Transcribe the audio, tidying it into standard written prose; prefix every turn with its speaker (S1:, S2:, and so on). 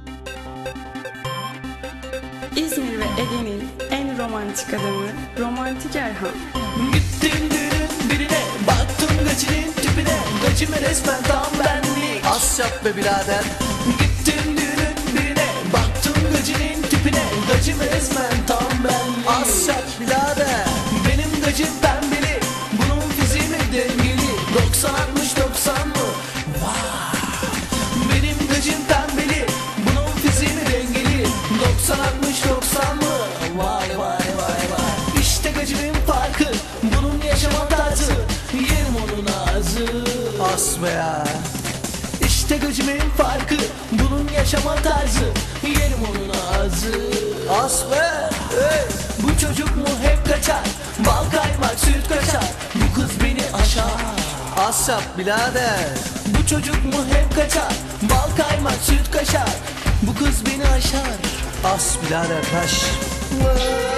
S1: İzmir ve Ege'nin en romantik adamı Romantik Erhan.
S2: Gittim düğünün birine, baktım gacının tipine, gacime resmen tam benlik.
S3: Az yap be birader.
S2: Gittim düğünün birine, baktım gacının tipine, gacime resmen tam benlik.
S3: Az yap birader.
S2: Benim gacım pembeli, bunun fiziği mi dengeli, 90-60-90 mı? Vay. Benim gacım pembeli, bunun fiziği mi dengeli, 90-60-90 mı? Vay vay vay vay. İşte gacımın farkı, bunun yaşama tarzı, yerim onun ağzı.
S3: As be ya.
S2: İşte gacımın farkı, bunun yaşama tarzı, yerim onun ağzı.
S3: As be. Hey.
S2: Bu çocuk mu hep kaçar, bal kaymak süt kaçar, bu kız beni aşar.
S3: Az yap birader.
S2: Bu çocuk mu hep kaçar, bal kaymak süt kaşar, bu kız beni aşar.
S3: As birader taş.
S2: Vay.